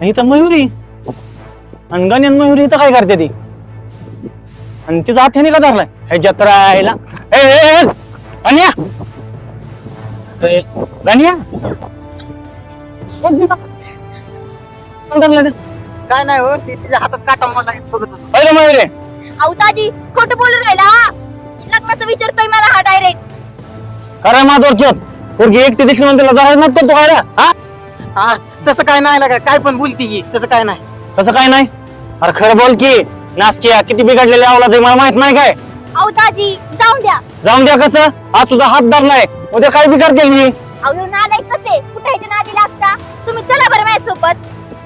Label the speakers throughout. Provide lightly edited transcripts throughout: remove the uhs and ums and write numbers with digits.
Speaker 1: इथं मयुरी आणि गण्यान मयुरी इथं काय करते ती आणि तिचा हात का धरलाय हे जत्रा यायला गण्या गण्या
Speaker 2: काय नाही हो तिच्या हातात काटा मोडला बघत होतो.
Speaker 1: पहिलं मयुरी
Speaker 3: अवताजी खोटं बोलून राहिला हा लग्नाचं विचारतोय मला हा डायरेक्ट
Speaker 1: खरं माधवरचोत पोरगी एकटी दिसली म्हणून तिला जायला नसतो तो काय हा
Speaker 2: हा तसं काय नाही लागा काय पण बोलती की तसं काय नाही.
Speaker 1: तसं काय नाही अरे खरं बोल की नासकिया किती बिघडलेले आवला ते मला माहित नाही काय
Speaker 3: अवताजी जाऊन द्या
Speaker 1: जाऊन द्या कसं हा तुझा हात धरलाय उद्या काय बी करतील मी
Speaker 3: अवलो नालाय कसे कुठायच्या नादी लागता तुम्ही चला बरं माझ्यासोबत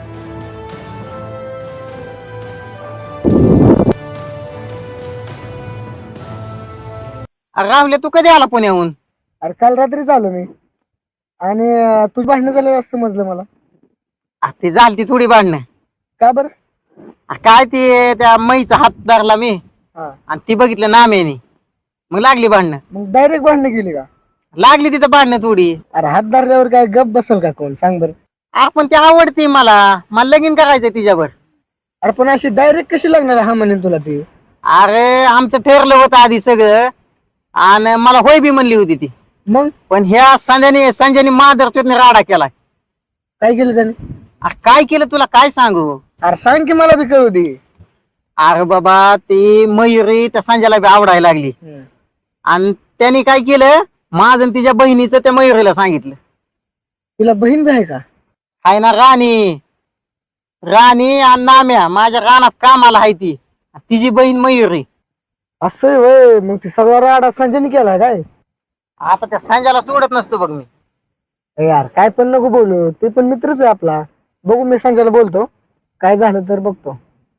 Speaker 2: रावले तू कधी आला पुण्याहून?
Speaker 4: अरे काल रात्री आलो मी आणि तुझी भांडणं झालं असं समजलं मला.
Speaker 2: ती झालती थोडी भांडणं.
Speaker 4: का बरं?
Speaker 2: काय ते त्या मईचा हात धरला मी
Speaker 4: हा
Speaker 2: आणि ती बघितलं नाम्याने मग लागली भांडणं.
Speaker 4: मग डायरेक्ट भांडणं केली का?
Speaker 2: लागली तिथं भांडणं थोडी.
Speaker 4: अरे हात धरल्यावर काय गप बसल का कोण सांग बरं?
Speaker 2: आपण ती आवडते मला लगीन करायचंय तिच्यावर.
Speaker 4: अरे पण अशी डायरेक्ट कशी लागणार हा म्हणेन तुला ती?
Speaker 2: अरे आमचं ठरलं होतं आधी सगळं आणि मला होय बी म्हणली होती ती.
Speaker 4: मग
Speaker 2: पण ह्या संजयने माधरचोतने राडा केलाय.
Speaker 4: काय केलं त्याने?
Speaker 2: अरे काय केलं तुला काय सांगू?
Speaker 4: अरे सांग की मला बी कळू दे.
Speaker 2: अरे बाबा ती मयुरी त्या संजयला बी आवडायला लागली आणि त्याने काय केलं माझं आणि तिच्या बहिणीचं त्या मयुरीला सांगितलं.
Speaker 4: तिला बहीण बी आहे का?
Speaker 2: हाय ना राणी आणि नाम्या माझ्या रानात कामाला आहे ती तिची बहीण मयुरी.
Speaker 4: असं वय मग ती सगळा राडा संजयने केलाय काय?
Speaker 2: आता त्या संजयला सोडत नसतो बघ मी.
Speaker 4: ए यार काय पण नको बोलू ते पण मित्रच आहे आपला. बघू मी संजयला बोलतो काय झालं तर बघतो.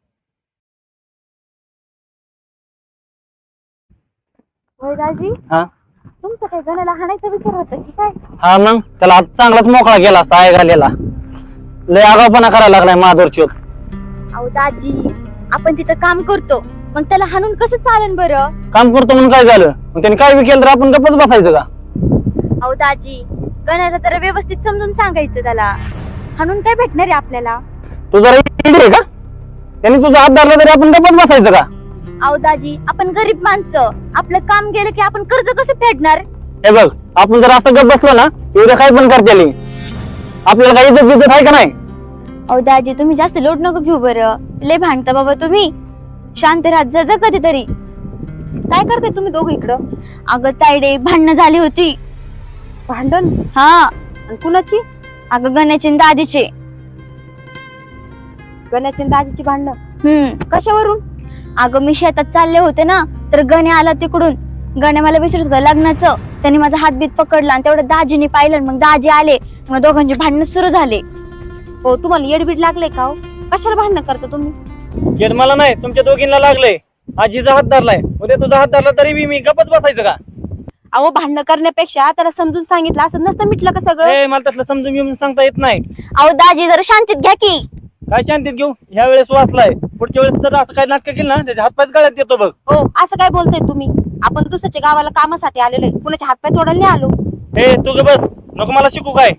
Speaker 3: दाजी
Speaker 1: हा
Speaker 3: तुमचं काय गणाला हाणायचा विचार होता की काय?
Speaker 1: हा मग त्याला आज चांगलाच मोकळा केला असता आय घालेला लय आगावपणा करायला लागलाय माधवरचोत.
Speaker 3: अहो दाजी आपण तिथं काम करतो मग त्याला हाणून कसं चालेल बरं?
Speaker 1: काम करतो म्हणून काय झालं मग त्याने काय बी केलं तर आपण गप्पच बसायचं का?
Speaker 3: अहो दाजी गणाला तर व्यवस्थित समजून सांगायचं त्याला हाणून काय भेटणार आहे आपल्याला?
Speaker 1: तू जरा इडी आहे का? त्याने तुझा हात धरला तरी आपण गप्पच बसायचं का?
Speaker 3: अहो दाजी आपण गरीब माणसं आपलं काम गेलं की आपण कर्ज कसं फेडणार?
Speaker 1: हे बघ आपण जर असं गप बसलो ना एवढं काय पण करते आपल्याला काही इज्जत बिज्जत आहे का नाही?
Speaker 3: अहो दाजी तुम्ही जास्त लोड नको घेऊ बरं लय भांडता बाबा तुम्ही. शांत राहत जा कधीतरी. काय करताय तुम्ही दोघं इकडं? अगं तायडे भांडणं झाली होती. भांडण? हा. आणि कुणाची? अगं गण्याची आणि दादीचे. गण्याची आणि दादीची भांडणं? कशावरून? अगं मी शेतात चालले होते ना तर गण्या आला तिकडून. गण्या मला विचारत होता लग्नाचं. त्यांनी माझा हातबीत पकडला आणि तेवढं दाजीने पाहिलं मग दाजी आले मग दोघांचे भांडणं सुरू झाले. हो तुम्हाला येडबीड लागले का? हो कशाला भांडणं करता तुम्ही?
Speaker 1: येड मला नाही तुमच्या दोघींना लागलंय. आजीचा हात धरलाय उद्या तुझा हात धरला तरी बी मी गपच बसायचं का?
Speaker 3: अहो भांडणं करण्यापेक्षा त्याला समजून सांगितलं असं नसतं मिटलं का सगळं?
Speaker 1: मला तसलं समजून घेऊन सांगता येत नाही.
Speaker 3: अहो दाजी जरा शांतीत घ्या की.
Speaker 1: काय शांतीत घेऊ ह्या वेळेस वाचलाय पुढच्या वेळेस जर असं काय नाटक केलं ना त्याच्या हातपायच गळ्यात येतो बघ.
Speaker 5: हो असं काय बोलताय तुम्ही? आपण दुसऱ्याच्या गावाला कामासाठी आलेलो आहे कुणाच्या हातपाय तोडायला नाही आलो.
Speaker 1: हे तू ग बस नको मला शिकू काय.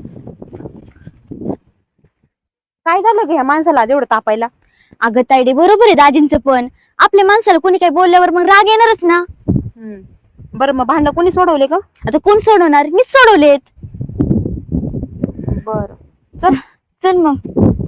Speaker 5: काय झालं ग ह्या माणसाला जेवढं तापायला?
Speaker 3: अगं तायडे बरोबर आहे दाजींचं पण आपल्या माणसाला कोणी काही बोलल्यावर मग राग येणारच ना.
Speaker 5: बरं मग भांडण कोणी सोडवले का?
Speaker 3: आता कोण सोडवणार? मीच सोडवलेत.
Speaker 5: बर चल
Speaker 3: चल मग.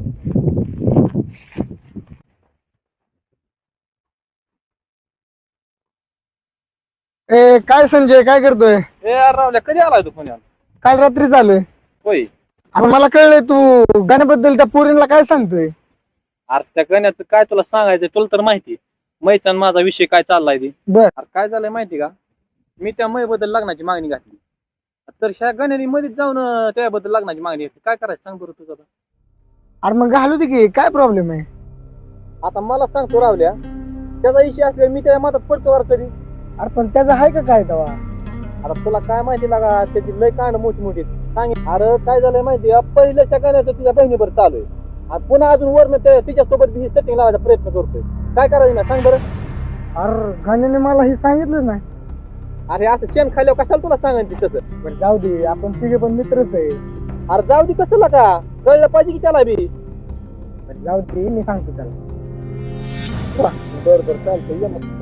Speaker 4: ए काय संजय काय करतोय?
Speaker 1: रावल्या कधी आलाय तू पुण्यात?
Speaker 4: काल रात्री चालूय.
Speaker 1: होय
Speaker 4: अरे मला कळलंय तू गाण्याबद्दल त्या पोरींना काय सांगतोय?
Speaker 6: अरे त्या गण्याचं काय तुला सांगायचं तुला तर माहिती मैचा आणि माझा विषय काय चाललाय ते.
Speaker 4: बर
Speaker 6: अरे काय झालंय माहिती का मी त्या मै बद्दल लग्नाची मागणी घातली तर ह्या गण्याने मध्येच जाऊन त्याबद्दल लग्नाची मागणी घातली. काय करायचं सांग बरं तुझं आता.
Speaker 4: अरे मग घालू दे की काय प्रॉब्लेम आहे?
Speaker 6: आता मला सांगतो रावल्या त्याचा विषय असल्या मी त्या मतात पडतो वर तरी.
Speaker 4: अरे पण त्याचं आहे का काय तेव्हा?
Speaker 6: आता तुला काय माहिती लागा त्याची लय कांड मोठी मोठी सांग. अरे काय झालंय माहिती पहिल्या त्या गण्याचं तुझ्या बहिणीवर चालू आहे आणि पुन्हा अजून वरनं तिच्यासोबत ही सेटिंग लावायचा प्रयत्न करतोय. काय करायचं ना सांग बरं.
Speaker 4: अरे गाण्याने मला हे सांगितलं नाही.
Speaker 6: अरे असं चेन खाल्ल्यावर कशाला तुला सांगायचं तसं.
Speaker 4: पण जाऊ दे आपण तिघे पण मित्रच आहे.
Speaker 6: अरे जाऊ दे कसं का कळलं पाहिजे की त्याला बी.
Speaker 4: बरं, जाऊ दे मी सांगतो त्याला.
Speaker 6: बरं बरं चालतंय ये मग.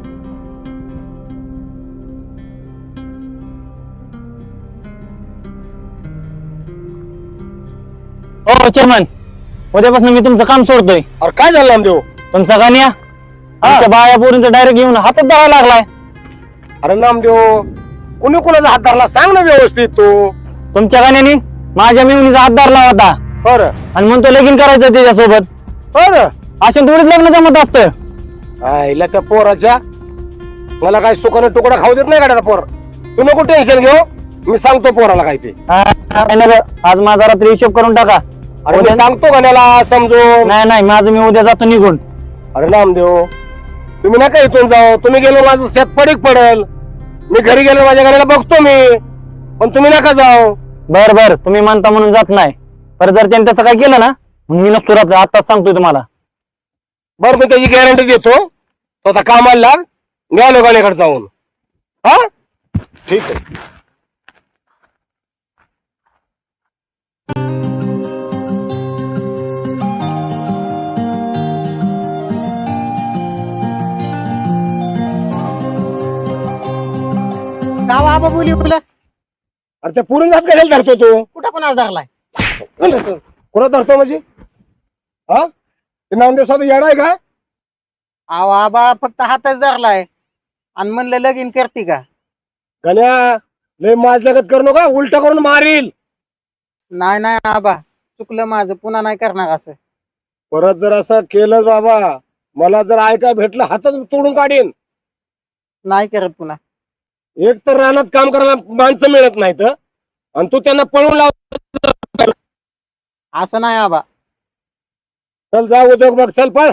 Speaker 1: हो चेअरमन, उद्यापासून मी तुमचं काम सोडतोय.
Speaker 7: अरे काय झालं नामदेव?
Speaker 1: तुमचा गाण्या आमच्या बाया पोरींचा डायरेक्ट येऊन हातात धरायला लागलाय.
Speaker 7: अरे नामदेव, कुणी कुणाचा हात धरला सांग ना व्यवस्थित तू.
Speaker 1: तुमच्या गाण्याने माझ्या मिवणीचा हात धरला होता
Speaker 7: बरं
Speaker 1: आणि म्हणतो लगीन करायचं त्याच्यासोबत.
Speaker 7: बरं.
Speaker 1: अशा थोडीच लग्न जमत असतं.
Speaker 7: आईला त्या पोराच्या, मला काय सुखाने तुकडा खाऊ देत नाही का त्याचा पोर. तू नको टेन्शन घेऊ, मी सांगतो पोराला काय ते.
Speaker 1: नाही ना गं, आज माझा रात्री हिशोब करून टाका.
Speaker 7: अरे मी सांगतो गाण्याला समजून.
Speaker 1: नाही नाही, माझं मी उद्या जातो निघून.
Speaker 7: अरे नामदेव, तुम्ही नका इथून जाऊ. तुम्ही गेलो माझं शेत पडीक पडेल. मी घरी गेलो माझ्या गाण्याला बघतो मी, पण तुम्ही नका जाऊ.
Speaker 1: बर बर, तुम्ही म्हणता म्हणून जात नाही. पर जर त्यांनी तसं काय केलं ना, मग मी नसतो राहत. आताच सांगतोय तुम्हाला.
Speaker 7: बरं, मी त्याची गॅरंटी देतो. तो आता कामाला लाग, गेलो गाण्याकडे जाऊन. हा ठीक आहे.
Speaker 2: का बाबा बोली तुला
Speaker 7: अरे त्या पुरून जात कशाला धरतो तू?
Speaker 2: कुठं कोणाला धरलाय?
Speaker 7: कोणा धरतो म्हणजे? हा ते नामदेव साधू येणार आहे का?
Speaker 2: अहो आबा फक्त हातच धरलाय आणि म्हणलं लगीन करते का?
Speaker 7: गण्या, लय माझ लगत करू नका, उलट करून मारील.
Speaker 2: नाही नाही आबा, चुकलं माझं, पुन्हा नाही करणार असं.
Speaker 7: परत जर असं केलं बाबा, मला जर ऐका भेटलं हातच तोडून काढीन.
Speaker 2: नाही करत पुन्हा.
Speaker 7: एक तर रानात काम करायला माणसं मिळत नाहीत आणि तू त्यांना पळून लाव.
Speaker 2: असं नाही आबा.
Speaker 7: चल जा उद्योग बघ, चल पळ.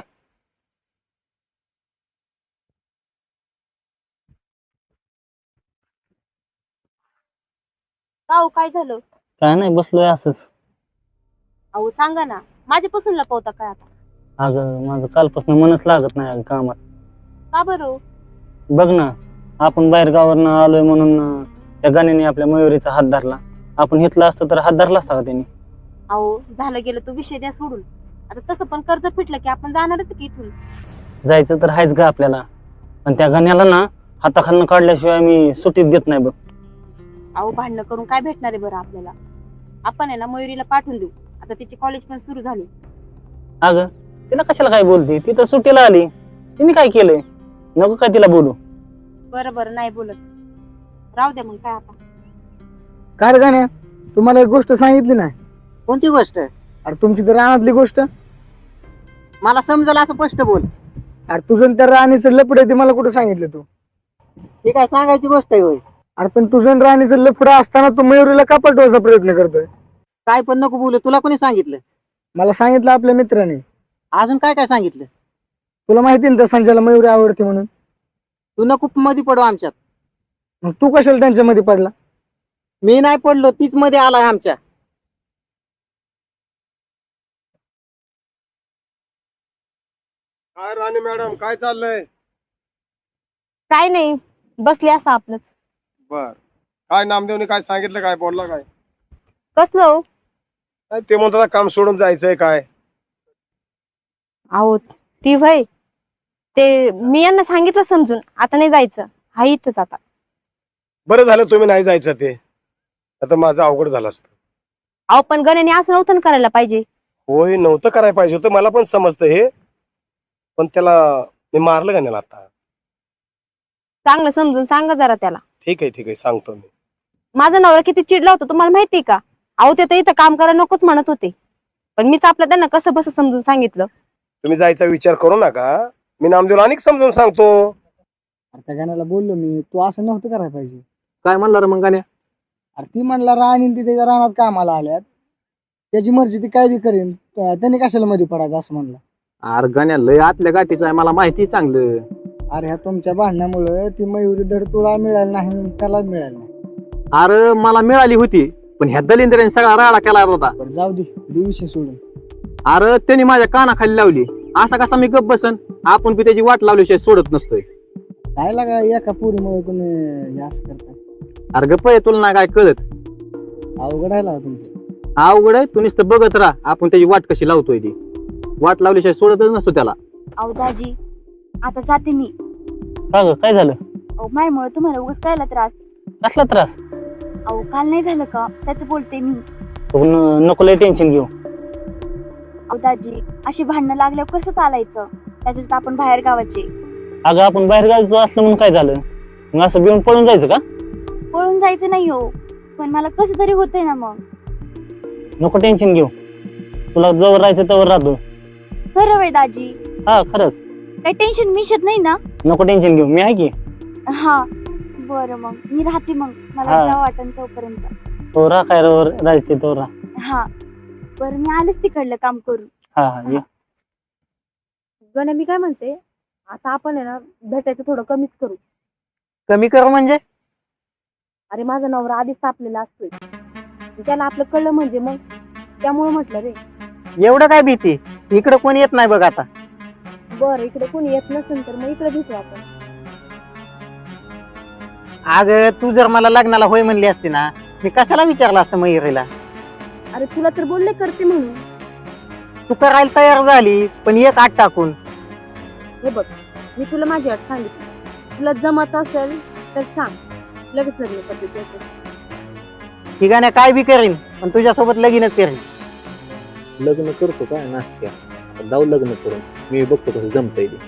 Speaker 5: का काय झालं?
Speaker 1: काय नाही, बसलोय असंच.
Speaker 5: अहो सांगा ना, माझ्यापासून लपवता काय आता?
Speaker 1: अगं माझं कालपासून मनच लागत नाही अगं कामात.
Speaker 5: का बरं?
Speaker 1: बघ ना, आपण बाहेर गावावरनं आलोय म्हणून त्या गाण्याने आपल्या मयुरीचा हात धरला. आपण घेतला असतं तर हात धरला असता का त्यांनी?
Speaker 5: अहो झालं गेलं तो विषय द्या सोडून. आता तसं पण कर्ज फिटलं की आपण जाणारच की इथून.
Speaker 1: जायचं तर आहेच का आपल्याला, पण त्या गाण्याला ना हाताखालनं काढल्याशिवाय मी सुट्टीत देत नाही बघ.
Speaker 5: अहो भांडणं करून काय भेटणार आहे बरं आपल्याला? आपण आहे ना मयुरीला पाठवून देऊ. आता तिची कॉलेज पण सुरू झाली.
Speaker 1: अगं तिला कशाला काय बोलते? ती तर सुट्टीला आली, तिने काय केलंय? नको काय तिला बोलू.
Speaker 5: बरं बरं नाही बोलत, राहू द्या मग. काय आता
Speaker 4: काय रे गाण्या, तुम्हाला एक गोष्ट सांगितली नाही?
Speaker 2: कोणती गोष्ट?
Speaker 4: अरे तुमची तर रानातली गोष्ट.
Speaker 2: मला समजलं असं स्पष्ट बोल.
Speaker 4: अरे तुझं आणि त्या राणीचं लफड आहे ते मला कुठं सांगितलं तू?
Speaker 2: ही काय सांगायची गोष्ट आहे होय?
Speaker 4: अरे पण तुझं आणि राणीचं लफड असताना तू मयुरीला का पटवायचा प्रयत्न करतोय?
Speaker 2: काय पण नको बोलू. तुला कोणी सांगितलं?
Speaker 4: मला सांगितलं आपल्या मित्राने.
Speaker 2: अजून काय काय सांगितलं?
Speaker 4: तुला माहिती ना त्या संजयला मयुरी आवडते म्हणून.
Speaker 2: तू नको मध्ये पडू आमच्यात.
Speaker 4: मग तू कशाला त्यांच्यामध्ये पडला?
Speaker 2: मी नाही पडलो, तीच मध्ये आलाय आमच्या.
Speaker 7: काय राणी मॅडम, काय चाललंय?
Speaker 5: काय नाही, बसली असं आपलंच.
Speaker 7: बर, काय नामदेवने काय सांगितलं, काय बोलला काय?
Speaker 5: कसलं हो?
Speaker 7: काय ते म्हणतात काम सोडून जायचंय काय?
Speaker 5: अहो ती भाई, ते मी यांना सांगितलं समजून, आता नाही जायचं. हा इथंच आता.
Speaker 7: बरं झालं तुम्ही नाही जायचं, ते आता माझं अवघड झालं असतं.
Speaker 5: अहो पण गण्याने असं नव्हतं ना करायला पाहिजे.
Speaker 7: होय, नव्हतं करायला पाहिजे होतं, मला पण समजतं हे. पण त्याला मी मारलं का नाही आता?
Speaker 5: चांगलं समजून सांगा जरा त्याला.
Speaker 7: ठीक आहे सांगतो मी.
Speaker 5: माझा नवरा किती चिडला होता तुम्हाला माहितीये का? अहो ते तर इथं काम करायला नकोच म्हणत होते, पण मीच आपल्या त्यांना कसं बस समजून सांगितलं.
Speaker 7: तुम्ही जायचा विचार करू नका, मी नामदेवला अनेक समजून सांगतो.
Speaker 4: अरे त्या गाण्याला बोललो मी, तू असं नव्हतं करायला पाहिजे.
Speaker 6: काय म्हणला रे मग गाण्या?
Speaker 4: अरे ती म्हणला राणी ती त्याच्या रानात कामाला आल्यात, त्याची मर्जी ती काय बी करेन, त्यांनी कशाला मध्ये पडायचं असं म्हणलं.
Speaker 6: अरे गाण्या लय आतल्या गाठीचा आहे, मला माहिती चांगलं.
Speaker 4: अरे ह्या तुमच्या भांडणामुळे ती मयुरी धड तुला मिळाली नाही, त्याला मिळाली नाही.
Speaker 6: अरे मला मिळाली होती, पण ह्या दलिंद्राने सगळा राडा केला होता.
Speaker 4: पण जाऊ दे, विषय सोडून.
Speaker 6: अरे त्यांनी माझ्या कानाखाली लावली, असा कसा मी गप्प बसन? आपण बी त्याची वाट लावल्याशिवाय सोडत नसतोय.
Speaker 4: काय लागा एका पुरीमुळे कोणी हे असं करतात?
Speaker 6: अरे गप्प आहे, तुला नाही काय कळत?
Speaker 4: अवघड आहे लागा तुमचं.
Speaker 6: अवघड आहे, तू नुसतं बघत राहा, आपण त्याची वाट कशी लावतोय ती. वाट लावल्याशिवाय सोडतच नसतो त्याला.
Speaker 3: अहो दाजी आता जाते मी.
Speaker 1: का ग काय झालं?
Speaker 3: अहो मायमुळे तुम्हाला उगाच कळला त्रास.
Speaker 1: कसला त्रास?
Speaker 3: अहो काल नाही झालं का त्याच बोलते मी.
Speaker 1: तू नको लय टेन्शन घेऊ.
Speaker 3: अहो दाजी अशी भांडणं लागल्यावर कसं चालायचं? त्याच्यात आपण बाहेर गावाचे.
Speaker 1: अगं आपण बाहेर गावचं असलं म्हणून काय झालं? मग असं बिऊन पळून जायचं का?
Speaker 3: पळून जायचं नाही हो, पण मला कसं तरी होतंय ना मग.
Speaker 1: नको टेन्शन घेऊ. तुला जवळ राहायचं तवर राहतो.
Speaker 3: खरं वय दाजी?
Speaker 1: हा खरंच.
Speaker 3: काही टेन्शन मिशत नाही ना?
Speaker 1: नको टेन्शन घेऊ, मी आहे की.
Speaker 3: हा बरं मग मी राहते मग. मला
Speaker 1: हा.
Speaker 3: जावं वाटन तोपर्यंत.
Speaker 1: तो राहा काय राहायचं तो राहा.
Speaker 3: हा बरं मी आलेच तिकडलं काम करून.
Speaker 1: हा हा ये.
Speaker 5: गण्या मी काय म्हणते, आता आपण आहे ना भेटायचं थोडं कमीच करू.
Speaker 2: कमी कर म्हणजे?
Speaker 5: अरे माझा नवरा आधीच तापलेला असतोय, त्याला आपलं कळलं म्हणजे मग त्यामुळे म्हटलं रे.
Speaker 2: एवढं काय भीती? इकडं कोणी येत नाही बघ आता.
Speaker 5: बरं इकडे कोणी येत नसेल तर मग इकडे भेटू आपण.
Speaker 2: अगं तू जर मला लग्नाला होय म्हणली असती ना, मी कशाला विचारलं असतं मयुरीला.
Speaker 5: अरे तुला तर बोलले करते म्हणून.
Speaker 2: तू करायला तयार झाली पण एक आठ टाकून.
Speaker 5: हे बघ मी तुला माझी अट सांगितली, तुला जमत असेल तर सांग, लगेच लग्न करते त्याचं.
Speaker 2: ठिकाणी काय बी करीन पण तुझ्यासोबत लगीनच करीन.
Speaker 6: लग्न करतो काय नासक्या? आता जाऊ लग्न करून, मी बघतो कसं जमतंय ते.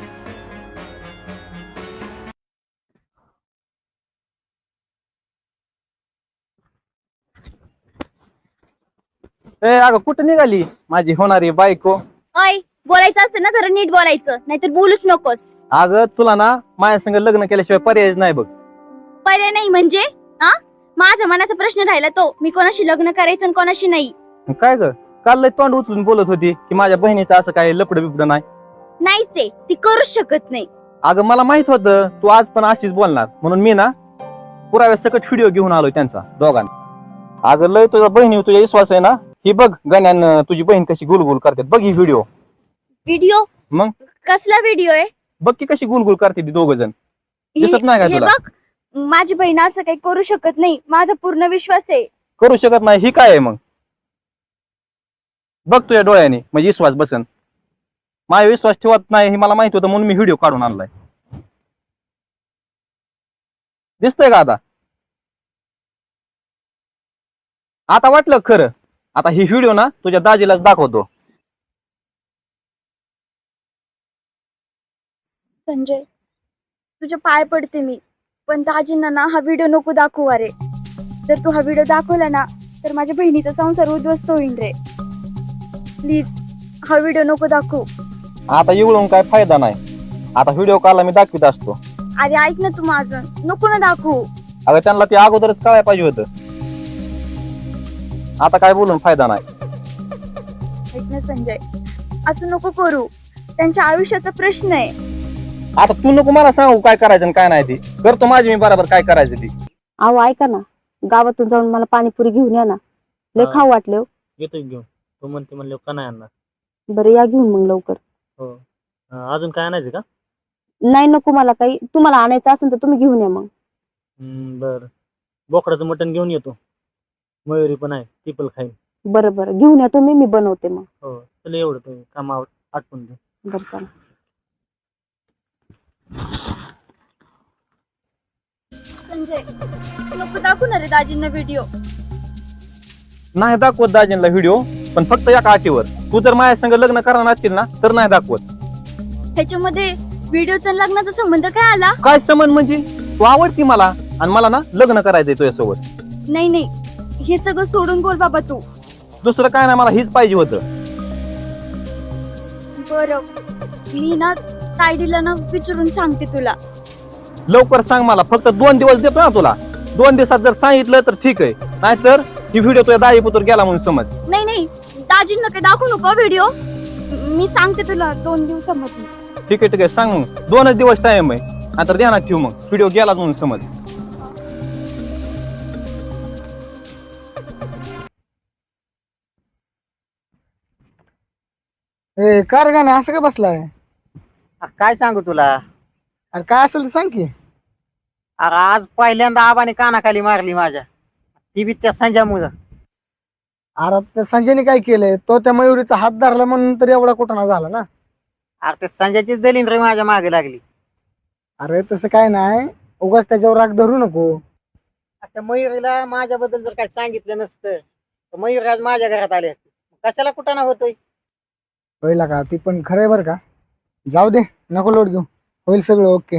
Speaker 6: अगं कुठं निघाली माझी होणारी बायको?
Speaker 3: अय बोलायचं असतं ना जरा नीट बोलायचं, नाहीतर बोलूच नकोस.
Speaker 6: अगं तुला ना माझ्या संग लग्न केल्याशिवाय पर्यायच नाही बघ.
Speaker 3: पर्याय नाही म्हणजे? हा माझ्या मनाचा प्रश्न राहिला तो, मी कोणाशी लग्न करायचं आणि कोणाशी नाही.
Speaker 6: काय ग काल लय तोंड उचलून बोलत होती की माझ्या बहिणीचं असं काय लपड बिपड नाही.
Speaker 3: नाहीच आहे, ती करूच शकत नाही.
Speaker 6: अगं मला माहित होतं तू आज पण अशीच बोलणार, म्हणून मी ना पुराव्या सकट व्हिडिओ घेऊन आलोय त्यांचा दोघांना. अगं लय तुझ्या बहिणी तुझ्या विश्वास आहे ना? ही बघ गण्यान तुझी बहीण कशी गुलगुल करते, बघ ही व्हिडिओ.
Speaker 3: व्हिडिओ?
Speaker 6: मग?
Speaker 3: कसला व्हिडिओ आहे?
Speaker 6: बघ की कशी गुलगुल करते ती दोघ जण. दिसत नाही का
Speaker 3: हे
Speaker 6: तुला?
Speaker 3: बघ माझी बहीण असं काही करू शकत नाही, माझा पूर्ण विश्वास आहे.
Speaker 6: करू शकत नाही ही काय आहे मग? बघ तुझ्या डोळ्याने म्हणजे विश्वास बसन. माझा विश्वास ठेवत नाही हे मला माहित होतं म्हणून मी व्हिडिओ काढून आणलाय. दिसतंय का आता? आता वाटलं खरं. आता ही व्हिडिओ ना तुझ्या दाजीलाच दाखवतो.
Speaker 3: संजय तुझ्या पाय पडते मी, पण दाजींना ना हा व्हिडिओ नको दाखवू. अरे जर तू हा व्हिडिओ दाखवला ना तर माझ्या बहिणीचा संसार उद्ध्वस्त होईल रे. प्लीज हा व्हिडिओ नको दाखवू.
Speaker 6: आता एवढून काय फायदा नाही. आता व्हिडिओ कॉलला मी दाखवित असतो.
Speaker 3: अरे ऐक ना तू माझं, नको ना दाखवू.
Speaker 6: अगं त्यांना ते अगोदरच कळायला पाहिजे होतं. आता काय बोलून फायदा नाही.
Speaker 3: ऐक ना संजय, असं नको करू. त्यांच्या आयुष्याचा प्रश्न आहे.
Speaker 6: आता तू नको मला सांगू काय करायचं आणि काय नाही ते करतो माझी मी बरोबर काय करायचं ते.
Speaker 5: अहो ऐका ना, गावातून जाऊन मला पाणीपुरी घेऊन या ना, लय खाऊ वाटले हो.
Speaker 1: येतो घेऊन. तू म्हणते म्हणले का नाही आणणार?
Speaker 5: बरं या घेऊन मग लवकर.
Speaker 1: हो. अजून काय आणायचं का?
Speaker 5: नाही नको मला काही, तुम्हाला आणायचं असेल तर तुम्ही घेऊन या मग.
Speaker 1: बर. बोकडाचं मटण घेऊन येतो. मयुरी पण आहे, ती पण खाईल.
Speaker 5: बरं बरं घेऊन या तुम्ही, मी बनवते मग.
Speaker 1: हो तुला एवढं ते काम आटपून दे.
Speaker 5: बरं चला.
Speaker 3: संजय नको दाखवू ना रे दाजींना व्हिडिओ.
Speaker 6: नाही दाखवत दाजींना व्हिडिओ, पण फक्त एका अटीवर. तू जर माझ्या संग लग्न करणार असशील ना तर नाही दाखवत.
Speaker 3: ह्याच्यामध्ये व्हिडिओचा लग्नाचा संबंध काय आला?
Speaker 6: काय समज म्हणजे? तू आवडती मला आणि मला ना लग्न करायचंय तुझ्यासोबत.
Speaker 3: नाही नाही, हे सगळं सोडून बोल बाबा तू.
Speaker 6: दुसरं काय नाही, मला हीच पाहिजे होतं.
Speaker 3: बरं मी ना तायडीला ना विचारून सांगते तुला.
Speaker 6: लवकर सांग मला, फक्त 2 दिवस देतो ना तुला. 2 दिवसात जर सांगितलं तर ठीक आहे, नाहीतर ही व्हिडिओ तुझ्या दाई पुत्र गेला म्हणून समज.
Speaker 3: नाही नाही, दाजींना काही दाखवू नको व्हिडिओ. मी सांगते तुला 2 दिवसामध्ये.
Speaker 6: ठीक आहे सांग मग. 2च दिवस टाइम आहे, नाहीतर ध्यानात ठेवू मग व्हिडिओ गेला म्हणून समज.
Speaker 4: ए कार गाणं असं का बसलाय?
Speaker 2: काय सांगू तुला?
Speaker 4: अरे काय असेल तर सांग की.
Speaker 2: अरे आज पहिल्यांदा आबाने कानाखाली मारली माझ्या, ती बी त्या संजय मुलं.
Speaker 4: अरे त्या संजयने काय केलंय, तो त्या मयुरीचा हात धरला म्हणून तर एवढा कुठं झाला ना.
Speaker 2: अरे ते संजयचीच दलील रे माझ्या मागे लागली.
Speaker 4: अरे तसं काय नाही, उगाच त्याच्यावर राग धरू नको.
Speaker 2: त्या मयुरीला माझ्याबद्दल जर काय सांगितलं नसतं तर मयूर आज माझ्या घरात आले असते. कशाला कुठं ना होतोय.
Speaker 4: होईल का, ती पण खरंय बरं का. जाऊ दे, नको लोट घेऊ, होईल सगळं ओके.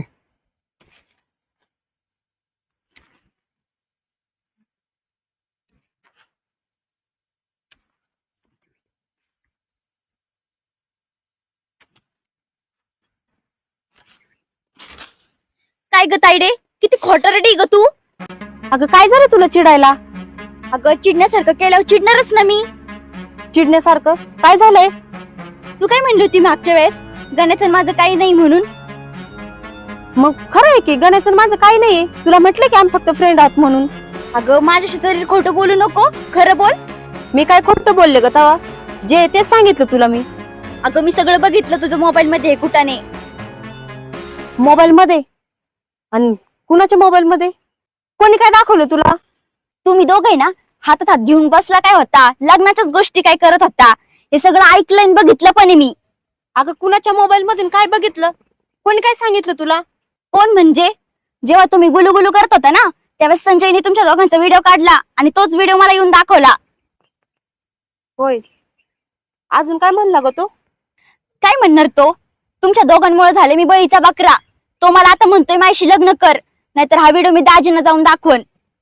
Speaker 3: काय ग ताईडे, किती खोटरडी ग तू.
Speaker 5: अगं काय झालं तुला चिडायला?
Speaker 3: अगं चिडण्यासारखं केल्यावर चिडणारच ना मी.
Speaker 5: चिडण्यासारखं काय झालंय?
Speaker 3: तू काय म्हणली होती मागच्या वेळेस, गण्याचं माझं काही नाही म्हणून.
Speaker 5: मग खरं आहे की गण्याचं माझं काही नाहीये. तुला म्हटलं की आम्ही फक्त फ्रेंड आहोत म्हणून.
Speaker 3: अगं माझ्याशी तरी खोटं बोलू नको, खरं बोल.
Speaker 5: मी काय खोटं बोलले ग तवा? जे तेच सांगितलं तुला मी.
Speaker 3: अगं मी सगळं बघितलं तुझं मोबाईल मध्ये कुठाने.
Speaker 5: मोबाईल मध्ये? आणि कुणाच्या मोबाईल मध्ये? कोणी काय दाखवलं तुला?
Speaker 3: तुम्ही दोघे ना हातात हात घेऊन बसला काय होता, लग्नाच्याच गोष्टी काय करत होता, हे सगळं ऐकलं आणि बघितलं पण आहे मी.
Speaker 5: अगं कुणाच्या मोबाईल मधून काय बघितलं? कोणी काय सांगितलं तुला?
Speaker 3: कोण म्हणजे, जेव्हा तुम्ही गुलुगुलू करत होता ना त्यावेळेस संजयने तुमच्या दोघांचा व्हिडिओ काढला आणि तोच व्हिडिओ मला येऊन दाखवला.
Speaker 5: होय, अजून काय म्हणला ग तो?
Speaker 3: काय म्हणणार तो, तुमच्या दोघांमुळे झाले मी बळीचा बकरा. तो मला आता म्हणतोय माझ्याशी लग्न कर, नाहीतर हा व्हिडिओ मी दाजींना जाऊन दाखवण.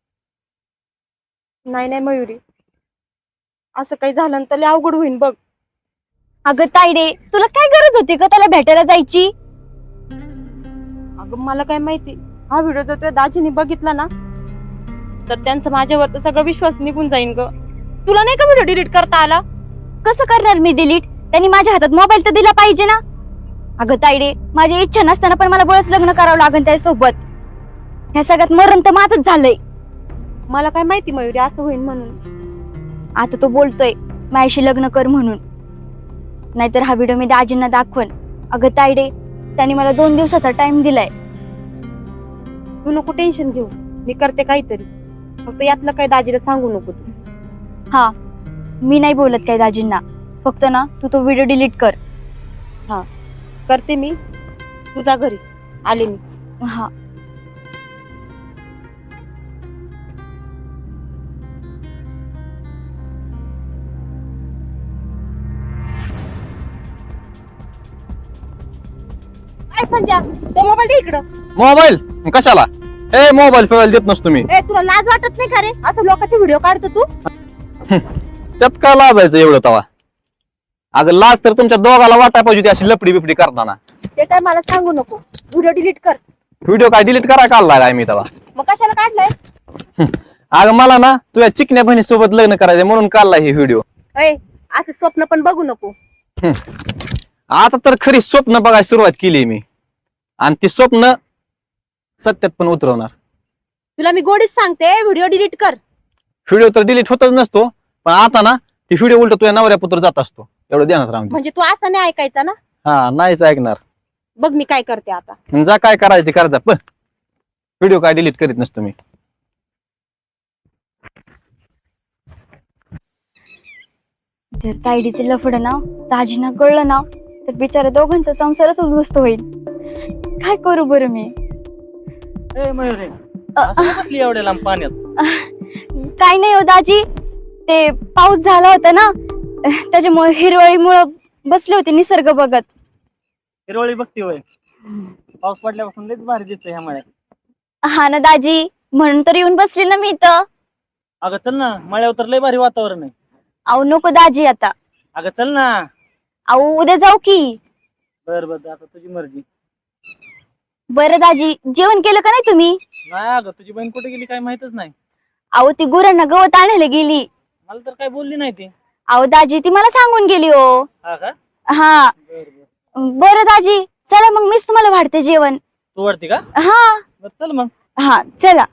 Speaker 5: नाही नाही मयुरी, असं काही झालं तर लय अवघड होईन बघ.
Speaker 3: अगं ताईडे, तुला काय गरज होती का त्याला भेटायला जायची?
Speaker 5: अगं मला काय माहिती, हा व्हिडिओ जर तुझ्या दाजीने बघितला ना तर त्यांचा माझ्यावर सगळा विश्वास निघून जाईन ग. तुला नाही का व्हिडिओ डिलीट करता आला?
Speaker 3: कसं करणार मी डिलीट, त्यांनी माझ्या हातात मोबाईल तर दिला पाहिजे ना. अगं ताईडे, माझी इच्छा नसताना पण मला बळच लग्न करावं लागेल त्यासोबत. ह्या सगळ्यात मरण तर माझंच झालंय.
Speaker 5: मला काय माहिती मयुरी असं होईल म्हणून.
Speaker 3: आता तो बोलतोय माझ्याशी लग्न कर म्हणून, नाहीतर हा व्हिडिओ मी दाजींना दाखवण. अगं ताईडे, त्यांनी मला 2 दिवसाचा टाइम दिलाय.
Speaker 5: तू नको टेन्शन घेऊ, मी करते काहीतरी. फक्त यातलं काही दाजीला सांगू नको तू.
Speaker 3: हा, मी नाही बोलत काय दाजींना, फक्त ना तू तो व्हिडिओ डिलीट कर.
Speaker 5: करते मी, तुझ्या घरी आले मी.
Speaker 3: हा.
Speaker 5: काय संजय, तो मोबाईल दे इकडं.
Speaker 1: मोबाईल कशाला? ए मोबाईल फिरायला देत नसतो मी.
Speaker 5: ए तुला लाज वाटत नाही का रे, असं लोकांचे व्हिडिओ काढतो तू?
Speaker 1: त्यात का लाजायचं एवढं तवा? अगं लाज तर तुमच्या दोघाला वाटाय पाहिजे होती अशी लपडी बिपडी करताना.
Speaker 5: ते काय मला सांगू नको, व्हिडिओ डिलीट कर.
Speaker 1: व्हिडिओ काय डिलीट करा काढला काय मी तवा?
Speaker 5: मग कशाला काढलाय?
Speaker 1: अगं मला ना तुझ्या चिकन्या बहिणीसोबत लग्न करायचं म्हणून काढला हे व्हिडिओ.
Speaker 5: ए असं स्वप्न पण बघू नको.
Speaker 1: आता तर खरी स्वप्न बघायला सुरुवात केली मी, आणि ती स्वप्न सत्यात पण उतरवणार.
Speaker 5: तुला मी गोडीच सांगते, व्हिडिओ डिलीट कर.
Speaker 1: व्हिडिओ तर डिलीट होतच नसतो, पण आता ना ती व्हिडिओ उलट तुझ्या नवऱ्या पुत्र जात असतो, एवढं ध्यानात राहून दे.
Speaker 5: म्हणजे तू असं नाही ऐकायचा ना?
Speaker 1: हा, नाहीच ऐकणार.
Speaker 5: बघ मी काय करते आता.
Speaker 1: जा काय करायचं ते करायचं, पण व्हिडिओ काय डिलीट करीत नसतो मी.
Speaker 3: जर ताईडीचे लफड ना दाजींना कळलं ना तर बिचारा दोघांचा संसारच उद्ध्वस्त होईल. काय करू बरं मी?
Speaker 1: एवढ्या लांब पाण्यात
Speaker 3: काय नाही हो दाजी, ते पाऊस झाला होता ना त्याच्यामुळे हिरवळीमुळं बसले होते निसर्ग बघत.
Speaker 1: हिरवळी बघती होय? पाऊस पडल्यापासून लयच भारी दिसतंय ह्या मळ्यात.
Speaker 3: हा ना दाजी, म्हणून तर येऊन बसली ना मी इथं.
Speaker 1: अगं चल ना, मळ्यावर तर लय भारी वातावरण आहे.
Speaker 3: अहो नको दाजी आता.
Speaker 1: अगं चल ना.
Speaker 3: अहो उद्या जाऊ की.
Speaker 1: बर बर, आता तुझी मर्जी.
Speaker 3: बरं दाजी, जेवण केलं का नाही तुम्ही?
Speaker 1: नाही अगं, तुझी बहीण कुठे गेली काय माहितच नाही.
Speaker 3: अहो ती गुरांना गवत आणायला गेली.
Speaker 1: मला तर काय बोलली नाही ती.
Speaker 3: अहो दाजी, ती मला सांगून गेली हो.
Speaker 1: हा का?
Speaker 3: हा.
Speaker 1: बर बर.
Speaker 3: बरं दाजी, चला मग मीच तुम्हाला वाढते जेवण.
Speaker 1: तू वरती का?
Speaker 3: हा.
Speaker 1: बर चल मग.
Speaker 3: हा चला.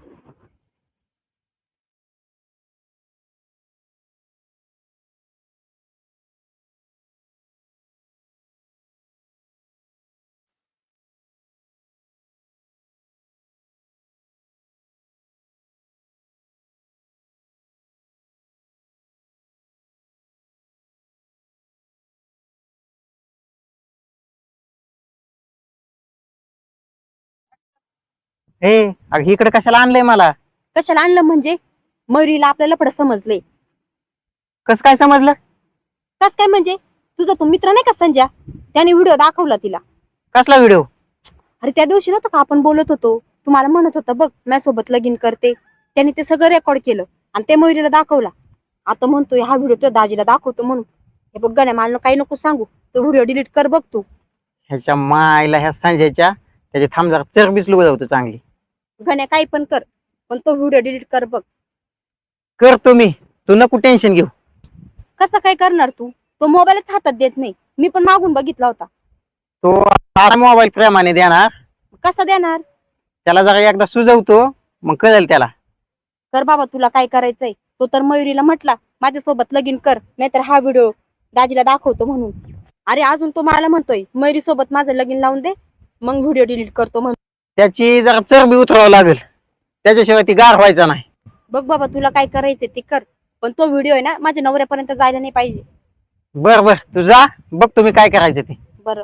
Speaker 2: अगं इकडे कशाला आणलंय मला?
Speaker 5: कशाला आणलं म्हणजे मयुरीला आपल्याला लफडं समजले.
Speaker 2: कसं काय समजलं?
Speaker 5: कस काय म्हणजे तुझा तो मित्र नाही का संजय, त्याने व्हिडिओ दाखवला तिला.
Speaker 2: कसला व्हिडिओ?
Speaker 5: अरे त्या दिवशी नव्हतं का आपण बोलत होतो, तुम्हाला म्हणत होता बघ माझ्यासोबत लगीन करते, त्याने ते सगळं रेकॉर्ड केलं आणि ते मयुरीला दाखवला. आता म्हणतोय हा व्हिडिओ तो दाजीला दाखवतो म्हणून. हे बघ गण्या, मला काही नको सांगू, तो व्हिडिओ डिलीट कर बघ तू.
Speaker 2: ह्याच्या मायला ह्या संजयच्या त्याची थांब जरा चरबीच लुगवतो चांगली.
Speaker 5: गण्या काही पण कर, पण तो व्हिडिओ डिलीट कर बघ.
Speaker 2: करतो मी, तू नको टेन्शन घेऊ.
Speaker 5: कसं काय करणार तू? तो मोबाईलच हातात देत नाही, मी पण मागून बघितला होता.
Speaker 2: तो आता मोबाईल प्रेमाने देणार,
Speaker 5: कसा देणार?
Speaker 2: त्याला जरा एकदा सुजवतो मग कळेल त्याला.
Speaker 5: कर बाबा, तुला काय करायचंय. तो तर मयुरीला म्हटला माझ्यासोबत लगीन कर, नाहीतर हा व्हिडिओ दाजीला दाखवतो म्हणून. अरे अजून तो मला म्हणतोय मयुरी सोबत माझं लगीन लावून दे, मग व्हिडिओ डिलीट करतो म्हणून.
Speaker 2: त्याची जरा चरबी उतरावं लागेल, त्याच्याशिवाय ती गार व्हायचा नाही.
Speaker 5: बघ बाबा, तुला काय करायचंय ते कर, पण तो व्हिडिओ आहे ना माझ्या नवऱ्यापर्यंत जायला नाही पाहिजे.
Speaker 2: बर बर, तू जा, बघ तुम्ही काय करायचं ते.
Speaker 5: बरं.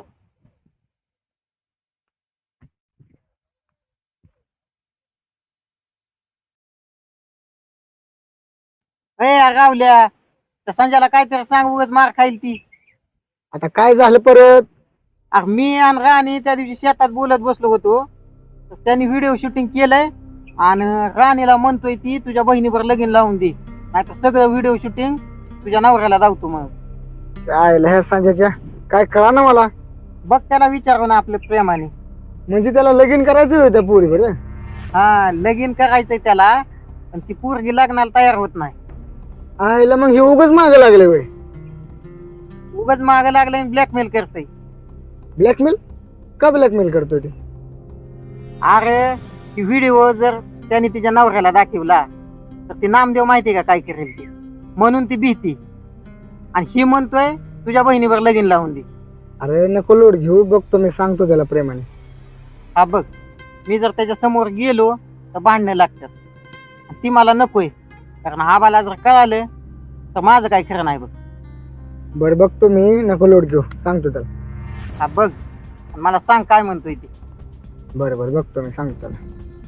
Speaker 2: रावल्या, त्या संजयला काहीतरी सांग, उगाच मार खाईल ती.
Speaker 4: आता काय झालं परत?
Speaker 2: अरे मी आणि राणी त्या दिवशी शेतात बोलत बसलो होतो, तर त्यांनी व्हिडिओ शूटिंग केलंय आणि राणीला म्हणतोय ती तुझ्या बहिणीवर लगीन लावून दे, नाहीतर सगळं व्हिडिओ शूटिंग तुझ्या नवऱ्याला दावतो. मग
Speaker 4: काय ह्या संजयच्या काय कळा ना मला.
Speaker 2: बघ त्याला विचारू ना आपल्या प्रेमाने.
Speaker 4: म्हणजे त्याला लगीन करायचं होतं पोरी बरं.
Speaker 2: हा, लगीन करायचंय त्याला, पण ती पोरगी लग्नाला तयार होत नाही.
Speaker 4: आईला मग हे उगाच मागं लागले वय.
Speaker 2: उगाच माग लागलं आणि ब्लॅकमेल करतय.
Speaker 4: ब्लॅकमेल? का ब्लॅकमेल करतोय ते?
Speaker 2: अरे ती व्हिडिओ जर त्याने तिच्या नवऱ्याला दाखवला तर ती नामदेव माहितीये का काय करेल ती, म्हणून ती भीती. आणि ही म्हणतोय तुझ्या बहिणीवर लगीन लावून दे.
Speaker 4: अरे नको लोड घेऊ, बघतो मी, सांगतो त्याला प्रेमाने.
Speaker 2: हा बघ, मी जर त्याच्या समोर गेलो तर भांडणं लागतात, आणि ती मला नकोय, कारण आबाला जर कळालं तर माझं काय खरं नाही. बघ
Speaker 4: बरं बघतो मी, नको लोड घेऊ, सांगतो त्याला.
Speaker 2: हा बघ, आणि मला सांग काय म्हणतोय ते.
Speaker 4: बरं बरं, बघतो मी, सांगतो त्याला.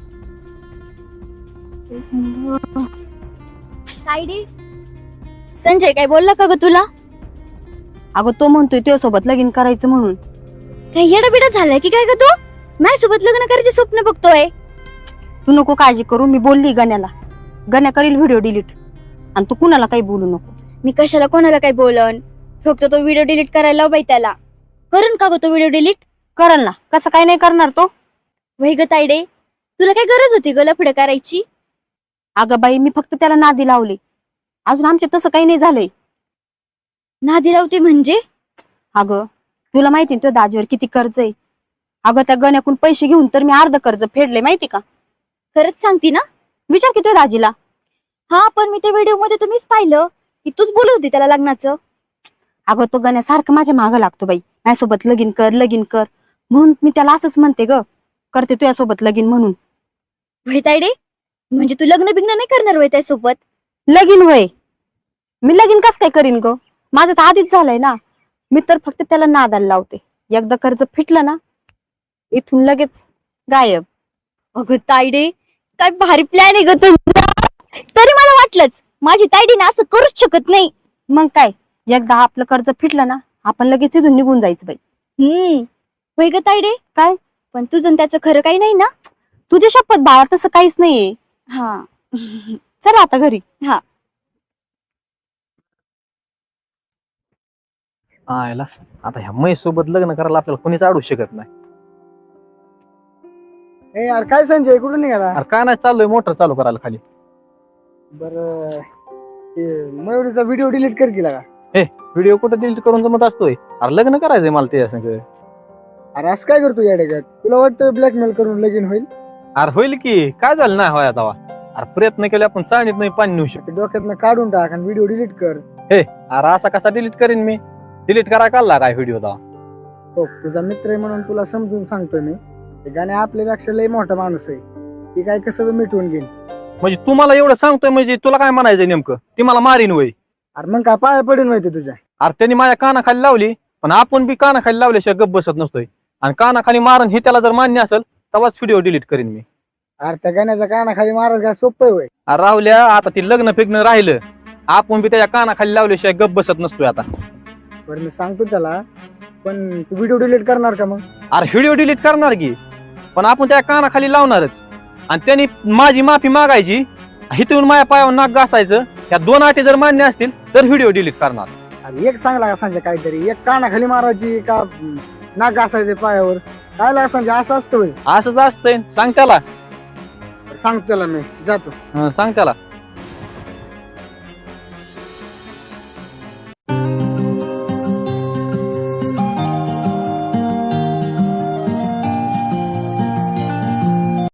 Speaker 3: सायडी, संजय काय बोलला का ग तुला?
Speaker 5: अगं तो म्हणतोय तुझ्यासोबत लगीन करायचं म्हणून.
Speaker 3: काय येडाबिडा झालाय की काय ग तू? माझ्यासोबत लग्न करायचे स्वप्न बघतोय.
Speaker 5: तू नको काळजी करू, मी बोलली गण्याला, गण्या करील व्हिडिओ डिलीट, आणि तू कुणाला काही बोलू नको.
Speaker 3: मी कशाला कोणाला काय बोलन, फक्त तो व्हिडिओ डिलीट करायला लाव बाई त्याला. करण का ग तो व्हिडिओ डिलीट?
Speaker 5: करल ना, कसं काय नाही करणार तो.
Speaker 3: वही ग तायडे, तुला काय गरज होती ग लफडं करायची?
Speaker 5: अगं बाई, मी फक्त त्याला नादी लावले, अजून आमचे तसं काही नाही झालंय.
Speaker 3: नादी लावते म्हणजे?
Speaker 5: अगं तुला माहिती ना तुझ्या दाजीवर किती कर्ज आहे. अगं त्या गण्याकडून पैसे घेऊन तर मी अर्ध कर्ज फेडले, माहिती का?
Speaker 3: खरंच सांगती ना?
Speaker 5: विचार की तुझ्या दाजीला.
Speaker 3: हा, पण मी त्या व्हिडिओ मध्ये तुम्हीच पाहिलं की तूच बोलत होती त्याला लग्नाचं.
Speaker 5: अगं तो गण्या सारखं माझ्या मागं लागतो बाई, माझ्यासोबत लगीन कर लगीन कर, म्हणून मी त्याला असंच म्हणते ग, करते तुझ्यासोबत लगीन म्हणून.
Speaker 3: वही तायडे, म्हणजे तू लग्न बिग्न नाही करणार वय त्यासोबत?
Speaker 5: लगीन होय, मी लगीन कस काय करीन ग, माझं तर आधीच झालंय ना. मी तर फक्त त्याला नादाला लावते, एकदा कर्ज फिटलं ना इथून लगेच गायब.
Speaker 3: अगं तायडे, काय भारी प्लॅन आहे ग तुझा. तरी मला वाटलंच माझी तायडी ना असं करूच शकत नाही.
Speaker 5: मग काय, एकदा आपलं कर्ज फिटलं ना आपण लगेच इथून निघून जायचं बाई.
Speaker 3: वय ग तायडे,
Speaker 5: काय
Speaker 3: पण तुझं आणि त्याचं खरं काही नाही ना?
Speaker 5: तुझ्या शपथ बाळा, तसं काहीच नाहीये.
Speaker 3: हा.
Speaker 5: चल आता घरी.
Speaker 3: हा.
Speaker 6: आयला आता ह्या म्हैस सोबत लग्न करायला आपल्याला कोणीच अडू शकत नाही.
Speaker 4: ए यार, काय संजय कुठून निघाला?
Speaker 6: अरे काय नाही, चाललोय मोटर चालू करायला खाली.
Speaker 4: बरं, ते मयुरीचा व्हिडिओ डिलीट कर केला का?
Speaker 6: व्हिडिओ कुठं डिलीट करून जमत असतोय? अरे लग्न करायचंय मला ते संग.
Speaker 4: अरे असं काय करतो या डेगात? तुला वाटतं ब्लॅकमेल करून लगीन होईल?
Speaker 6: अरे होईल की, काय झालं नाही होय आता. अरे प्रयत्न केले आपण, चाळणीत नाही पाणी नेऊ शकतो.
Speaker 4: ते डोक्यातनं काढून टाक आणि व्हिडिओ डिलीट कर.
Speaker 6: अरे असा कसा डिलीट करीन मी? डिलीट करायला काढला काय व्हिडिओ दा?
Speaker 4: हो, तुझा मित्र आहे म्हणून तुला समजून सांगतोय मी. ते गाणे आपल्यापेक्षा लय मोठा माणूस आहे, ती काय कसं मिटवून घेईन.
Speaker 6: म्हणजे तू मला एवढं सांगतोय म्हणजे तुला काय म्हणायचंय नेमकं? ती मला मारीन वय?
Speaker 4: अरे मग काय पाया पडून माहिती तुझ्या?
Speaker 6: अरे त्यांनी माझ्या कानाखाली लावली, पण आपण बी कानाखाली लावल्याशिवाय गप्प बसत नसतोय. आणि कानाखाली मारण हे त्याला जर मान्य असेल तेव्हाच व्हिडिओ डिलीट करीन मी.
Speaker 4: अरे त्या गाण्याच्या कानाखाली महाराज काय सोपं होय.
Speaker 6: अरे राहुल्या आता ती लग्न फिग्न राहिलं आपण बी त्याच्या कानाखाली लावल्याशिवाय गप बसत नसतोय आता.
Speaker 4: बरं मी सांगतो त्याला, पण तू व्हिडिओ डिलीट करणार का मग?
Speaker 6: अरे व्हिडिओ डिलीट करणार की, पण आपण त्या कानाखाली लावणारच आणि त्यांनी माझी माफी मागायची, इथून माझ्या पायावर नाक घासायचं. ह्या 2 अटी जर मान्य असतील तर व्हिडिओ डिलीट करणार.
Speaker 4: अरे एक सांगला का संजय काहीतरी, एक कानाखाली मारायची का नाक घासायचे पायावर, काय लागा संजय असं असतं होय?
Speaker 6: असंच असतंय, सांग त्याला.
Speaker 4: सांगतो त्याला मी, जातो.
Speaker 6: सांग त्याला.